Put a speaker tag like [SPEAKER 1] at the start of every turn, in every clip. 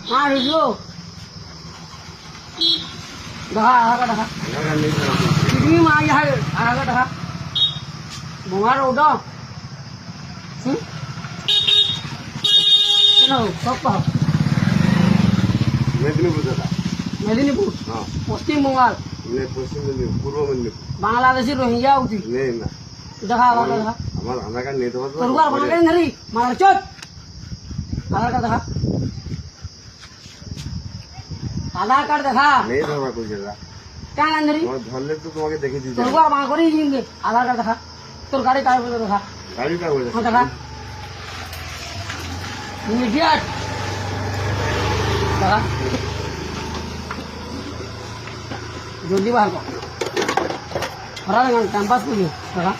[SPEAKER 1] हाँ रुको ढहा आगा ढहा कितनी माँ यहाँ आगा ढहा बुमार उड़ा चलो सब कहो मेदिनीपुर
[SPEAKER 2] हाँ
[SPEAKER 1] पश्चिम बंगाल
[SPEAKER 2] नहीं पश्चिम मेदिनीपुर पूर्व मेदिनीपुर
[SPEAKER 1] बांग्लादेशी रोहिंग्या होती
[SPEAKER 2] नहीं ना
[SPEAKER 1] ढहा आगा ढहा
[SPEAKER 2] हमारा आधार कार्ड नहीं तो
[SPEAKER 1] तो रुका बना के नहीं मार चोट आगा ढहा आधार कार्ड देखा
[SPEAKER 2] नहीं धरवा कोई जगह
[SPEAKER 1] क्या अंदर
[SPEAKER 2] और धरले तो तुम्हारे देखे दी
[SPEAKER 1] तो रुका वहाँ करी जिंगे आधार कार्ड देखा तोर गाड़ी का देखा
[SPEAKER 2] गाड़ी का बोले
[SPEAKER 1] हाँ देखा इमीडिएट देखा जल्दी बाहर को हरा देंगे टाइम पास के लिए देखा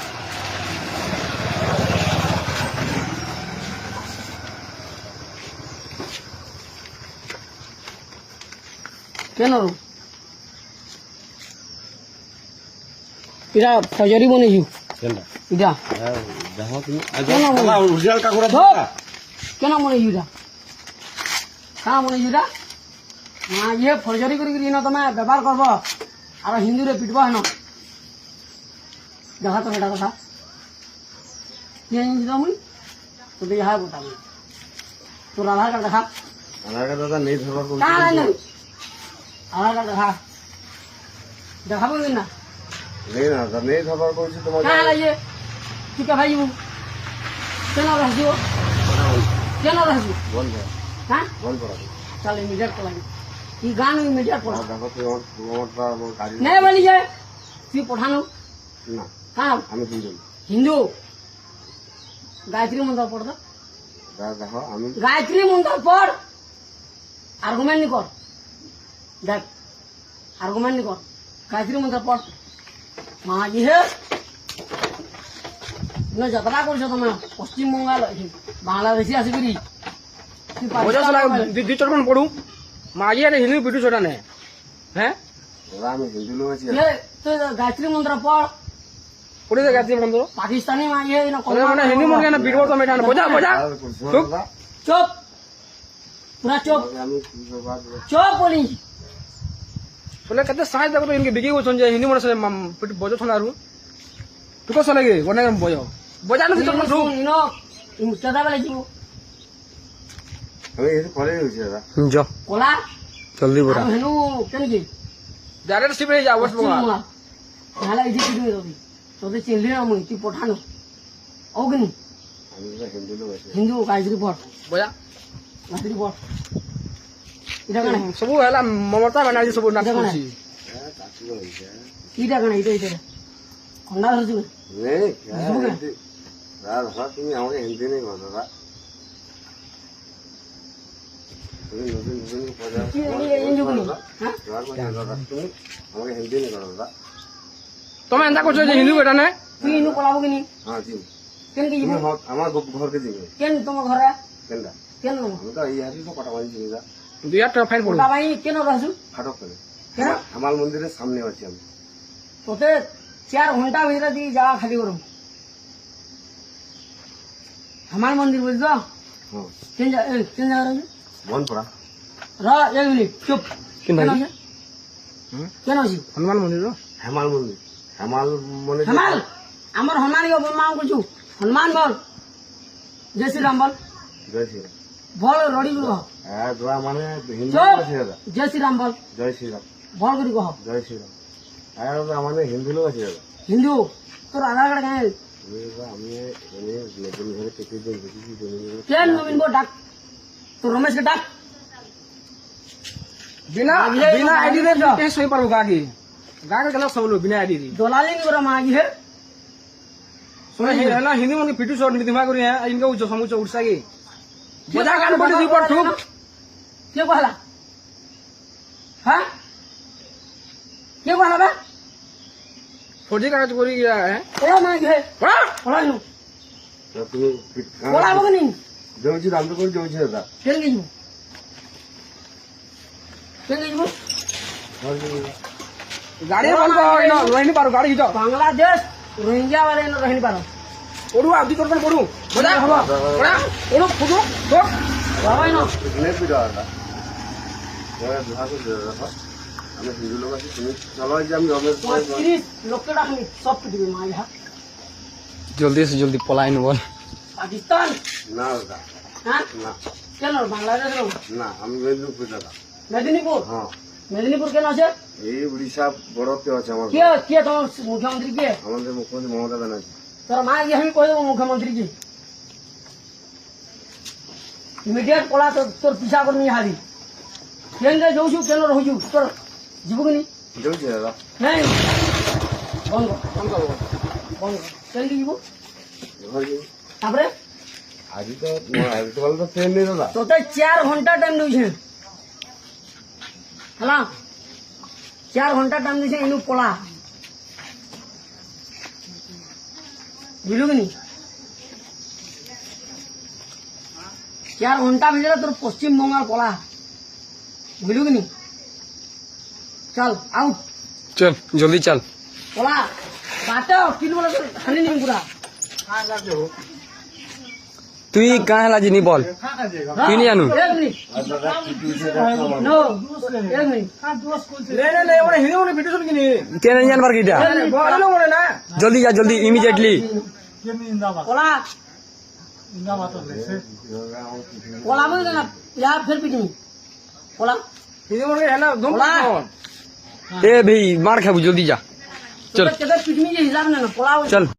[SPEAKER 1] কেন ইরা ফজরি বনেছি
[SPEAKER 2] কেনটা
[SPEAKER 1] ইরা
[SPEAKER 2] দেখো তুমি
[SPEAKER 1] কেন
[SPEAKER 2] দাদা অরিজিনাল কাকুরা
[SPEAKER 1] ধর কেন বনেছি ইরা কাঁ বনেছি ইরা না ইয়ে ফজরি করি না তুমি ব্যবহার করব আর হিন্দুরে পিটব হেন দেখা তো এটা কথা কি জানিস তুমি তোদের ইহা গোটাবো তোর আধার কার্ড দেখা
[SPEAKER 2] আধার কার্ড দাদা নেই ধরবার কোন
[SPEAKER 1] কাঁ নাই আধার কার্ড দেখা দেখাবো না
[SPEAKER 2] নেই না দাদা নেই ধরবার কোনছি তোমাকে
[SPEAKER 1] কাঁ লাগে তুই কে ভাইবু কেন রাখছিও কেন রাখছিও
[SPEAKER 2] বন্ধ
[SPEAKER 1] হ্যাঁ
[SPEAKER 2] বন্ধ করা
[SPEAKER 1] চল ইমিডিয়েট পড়াবি ই গান ইমিডিয়েট পড়া
[SPEAKER 2] দেখো তুমি আমারটা গাড়ি
[SPEAKER 1] নেই বলি যায় তুই পঠানো
[SPEAKER 2] না
[SPEAKER 1] কাঁ
[SPEAKER 2] আমি হিন্দু
[SPEAKER 1] হিন্দু গায়ত্রী মন্ত্র পড় তো
[SPEAKER 2] দাদা দেখো আমি
[SPEAKER 1] গায়ত্রী মন্ত্র পড় আর্গুমেন্ট নি কর দেখ আর্গুমেন্ট নি কর গায়ত্রী মন্ত্র পড় মাঝি হে যাত্রা করছো তুমি পশ্চিম বঙ্গাল বাংলাদেশি আসিকি
[SPEAKER 3] দুই চটমান পড়ু মাঝি আর হিন্দু পিটু ছোটা নে হ্যাঁ
[SPEAKER 2] দাদা আমি হিন্দু লোক আছি
[SPEAKER 1] তুই গায়ত্রী মন্ত্র পড়
[SPEAKER 3] পড়ে যায় গাছি মন্দির
[SPEAKER 1] পাকিস্তানি মাঝি
[SPEAKER 3] মানে হিন্দু মন্দির না পিটব তো মেটা বোঝা বোঝা চুপ
[SPEAKER 1] চুপ পুরা চুপ
[SPEAKER 2] আমি
[SPEAKER 1] চুপ বলি
[SPEAKER 3] চলে কেতে সাহায্য দেখো তো ইনকে বিকি বলছেন যে হিন্দু মনে পিটু বজো থনা আর তুই কস লাগে গনে বজো বজা না চটমান শুন
[SPEAKER 1] ইনো মুস্তাদা বলে দিব
[SPEAKER 2] আমি এই কলেজ হইছি দাদা
[SPEAKER 3] জ
[SPEAKER 1] কোলা
[SPEAKER 3] জলদি বড়া
[SPEAKER 1] হেনু কেন কি
[SPEAKER 3] ডাইরেক্ট শিপ হয়ে যা ওয়েস্ট বেঙ্গল
[SPEAKER 1] তাহলে এই যে কি দিবি তোদের চিনলি না মুই তুই পঠানো অগ্নি
[SPEAKER 2] আমি দাদা হিন্দু লোক আছি
[SPEAKER 1] হিন্দু গায়ত্রী পড়
[SPEAKER 3] বজা
[SPEAKER 1] গায়ত্রী পড় এটা কেন
[SPEAKER 3] সবু হেলা মমতা ব্যানার্জি সবু নাচ করছি
[SPEAKER 2] হ্যাঁ কাকু হইছে
[SPEAKER 1] এটা কেন এটা খন্ডা ধরছি
[SPEAKER 2] নেই দাদা দাদা তুমি আমাকে হিন্দি নেই বলো দাদা তুমি নতুন নতুন পয়সা
[SPEAKER 1] হ্যাঁ
[SPEAKER 2] দাদা তুমি আমাকে হিন্দি নেই করো দাদা
[SPEAKER 3] তুমি এন্তা করছো যে হিন্দু বেটা নে
[SPEAKER 1] তুই ইনু কলাবো কিনি
[SPEAKER 2] হ্যাঁ জি
[SPEAKER 1] কেন কি
[SPEAKER 2] তুমি আমার ঘরকে দিবে
[SPEAKER 1] কেন তোমার ঘরে
[SPEAKER 2] কেনটা
[SPEAKER 1] কেন
[SPEAKER 2] আমি তো এই হাসি তো কটা বাজি চিনি দা
[SPEAKER 3] 2000 টাকা ফাইন পড়ো
[SPEAKER 1] ওটা ভাই কেন রাখছু
[SPEAKER 2] ফাটক করে
[SPEAKER 1] কেন
[SPEAKER 2] আমার মন্দিরের সামনে আছি আমি
[SPEAKER 1] তোতে 4 ঘন্টা ভিতরে দিয়ে যাওয়া খালি করুম আমার মন্দির বুঝছো
[SPEAKER 2] হ্যাঁ
[SPEAKER 1] কেন জায়গা রাখছু
[SPEAKER 2] মন পড়া
[SPEAKER 1] এক মিনিট চুপ
[SPEAKER 3] কেন ভাই?
[SPEAKER 1] আছে কেন আছি
[SPEAKER 3] হনুমান মন্দির
[SPEAKER 2] হেমাল মন্দির হেমাল মন্দির
[SPEAKER 1] হনুমান আমার হনুমান বলমাম করছু হনুমান বল জয় শ্রীরাম বল
[SPEAKER 2] জয় শ্রীরাম
[SPEAKER 1] বল রড়ি গুলো
[SPEAKER 2] হ্যাঁ দোয়া মানে হিন্দু
[SPEAKER 1] চুপ
[SPEAKER 2] আছে দাদা
[SPEAKER 1] জয় শ্রীরাম বল
[SPEAKER 2] জয় শ্রীরাম
[SPEAKER 1] বল করি কহ
[SPEAKER 2] জয় শ্রীরাম হ্যাঁ দাদা আমাদের হিন্দু লোক আছে দাদা
[SPEAKER 1] হিন্দু তোর আধার কার্ড কেন
[SPEAKER 2] আমি নতুন ঘরে কেটে দিন দেখেছি
[SPEAKER 1] কেন নবীন বল ডাক তোর রমেশকে ডাক
[SPEAKER 3] বিনা বিনা আইডি রে কে সই পারবো গাকি গাকে কেন সবলো বিনা আইডি রে
[SPEAKER 1] দলালি নি করা মাগি হে
[SPEAKER 3] শুনে হে না হিন্দু মন্দির পিটু শট নি দিমা করি হ্যাঁ ইনকে উচ্চ সমুচ উড়সা কি বজা গান পড়ি দুই পর ঠুক
[SPEAKER 1] কে কহলা হ্যাঁ কে কহলা বে
[SPEAKER 3] ফৌজি কাগজ করি গিয়া হ্যাঁ
[SPEAKER 1] ওরা মাগি হে
[SPEAKER 3] ওরা
[SPEAKER 1] ওরা নু
[SPEAKER 2] তুমি
[SPEAKER 1] ওরা বগনি
[SPEAKER 2] জমছি দাম তো করে জমছি দাদা
[SPEAKER 1] কেন গিয়ে কেন গিয়ে
[SPEAKER 3] গাড়ি বন্ধ হয় না রহিনি পারো গাড়ি হিটো
[SPEAKER 1] বাংলাদেশ রোহিঙ্গা वाले न रहनी पारो
[SPEAKER 3] ওড়ু আদি তোর পড়ু বজা ওড়া ওড়ু ফুটু তো
[SPEAKER 1] বাবাই ন
[SPEAKER 2] নেট ভিডিও দাদা বিবাহ করতে দেখো আমি হিন্দু লোক আছি তুমি চলো যে আমি রমেশ
[SPEAKER 1] 35 লোককে ডাকনি সব পিটবে মা ইহা
[SPEAKER 3] জলদি এসে জলদি পলাই বল
[SPEAKER 1] পাকিস্তান
[SPEAKER 2] না দাদা
[SPEAKER 1] হ্যাঁ
[SPEAKER 2] না
[SPEAKER 1] কেন বাংলাদেশ
[SPEAKER 2] না আমি মেদিনীপুর দাদা
[SPEAKER 1] মেদিনীপুর
[SPEAKER 2] হ্যাঁ
[SPEAKER 1] মেদিনীপুর কেন আছে
[SPEAKER 2] এই উড়িষ্যা বড়তে আছে আমার
[SPEAKER 1] কে কে তোমার মুখ্যমন্ত্রী কে
[SPEAKER 2] আমাদের মুখ্যমন্ত্রী মমতা ব্যানার্জি
[SPEAKER 1] তোর মা গিয়ে আমি কই দেবো মুখ্যমন্ত্রীকে ইমিডিয়েট পলা তোর পিছা করে নিয়ে হারি ট্রেনে যাচ্ছু কেন রহুছু তোর ଯିବୁ କି নি
[SPEAKER 2] যাଉଛି দাদা
[SPEAKER 1] ନାଇଁ ବନ୍ଦ କର ବନ୍ଦ କର କେମିତି ଯିବୁ
[SPEAKER 2] ঘর যাই
[SPEAKER 1] ତାପରେ
[SPEAKER 2] ଆଜି ତ ଆଜି ତ ଗଲେ ତ ଟ୍ରେନ ନେଇ ଦାଦା
[SPEAKER 1] ତୋତେ 4 ଘଣ୍ଟା ଟାଇମ୍ ଦଉଛେ ହେଲା 4 ଘଣ୍ଟା ଟାଇମ୍ ଦଉଛେ ଇନୁ ପଳା ବୁଝିଲୁ କି ନି 4 ঘণ্টা ভিতরে তোর পশ্চিম বঙ্গাল পলা বুঝলু কি নি চল আউট
[SPEAKER 3] চল জলদি চল
[SPEAKER 1] পলা বাটা কিলো বলে খালি নি পুরা
[SPEAKER 3] তুই কাঁ হেলা জিনি বল তুই নি জানু
[SPEAKER 1] এক মিনিট
[SPEAKER 2] আর দাদা কি হয়েছে দেখো
[SPEAKER 1] নো এক মিনিট
[SPEAKER 3] লে লে লে ওরে হিন্দু ভিডিও শুন কিনি কে নাই জানবার কিটা বলো ওরে না জলদি যা জলদি ইমিডিয়েটলি
[SPEAKER 1] পলা পলা বলে না ইয়া ফের পিটমি পলা
[SPEAKER 3] হিন্দু মনে হেলা দম
[SPEAKER 1] পলা
[SPEAKER 3] এ ভাই মার খাবো জলদি যা চল
[SPEAKER 1] কেটে পিটমি যে হিসাব না পলা
[SPEAKER 3] চল